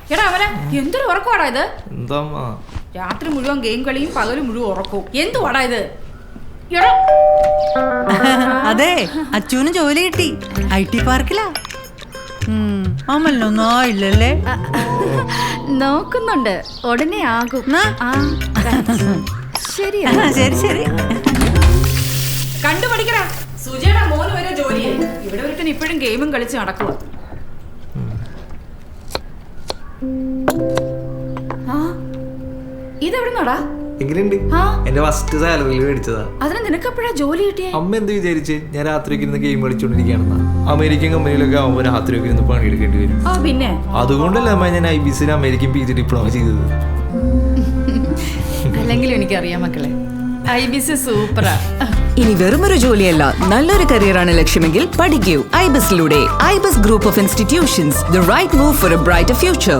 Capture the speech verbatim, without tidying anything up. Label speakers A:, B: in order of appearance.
A: എടാ അവനെ എന്തൊരു ഉറക്കമാടാ ഇത്?
B: എന്താ
A: രാത്രി മുഴുവൻ ഗെയിം കളിയും പകല് മുഴുവൻ ഉറക്കവും. എന്തുവാടാ ഇത്? എടാ
C: അതെ, അച്ഛനും ജോലി കിട്ടി ഐ ടി പാർക്കിലാ. അമലിനൊന്നും ആയില്ലല്ലേ?
A: നോക്കുന്നുണ്ട്, ഉടനെ ആകും. ശരി
C: ശരി ശരി
A: കണ്ടുപഠിക്കടാ. സുജയുടെ മോന് വരെ ജോലിയായി. ഇവിടെ ഒരുത്തൻ ഇപ്പോഴും ഗെയിമും കളിച്ച് നടക്കുക. ഇതെവിടുന്നാടാ?
B: എങ്ങനെയുണ്ട്? എന്റെ ഫസ്റ്റ് സാലറിയിൽ മേടിച്ചതാ.
A: അതിന് നിനക്കെപ്പോഴാ ജോലി കിട്ടിയേ?
B: അമ്മ എന്ത് വിചാരിച്ച് ഞാൻ രാത്രിയൊക്കെ ഇരുന്ന് ഗെയിം കളിച്ചോണ്ടിരിക്കുകയാണെന്നാ. അമേരിക്കൻ കമ്പനിയിലൊക്കെ ആവുമ്പോൾ രാത്രിയൊക്കെ ഇരുന്ന് പണിയെടുക്കേണ്ടി വരും.
A: ആ പിന്നെ
B: അതുകൊണ്ടല്ലേ അമ്മ ഞാൻ ഐ ബി സിയിൽ അമേരിക്കൻ പി ജി ഡിപ്ലോമ ചെയ്തത്.
A: അല്ലെങ്കിലും എനിക്കറിയാം മക്കളെ, ഐ ബി സി സൂപ്പറാ.
D: ഇനി വെറുമൊരു ജോലിയല്ല, നല്ലൊരു കരിയറാണ് ലക്ഷ്യമെങ്കിൽ പഠിക്കൂ ഐബിസിലൂടെ. IBS group of institutions, the right move for a brighter future.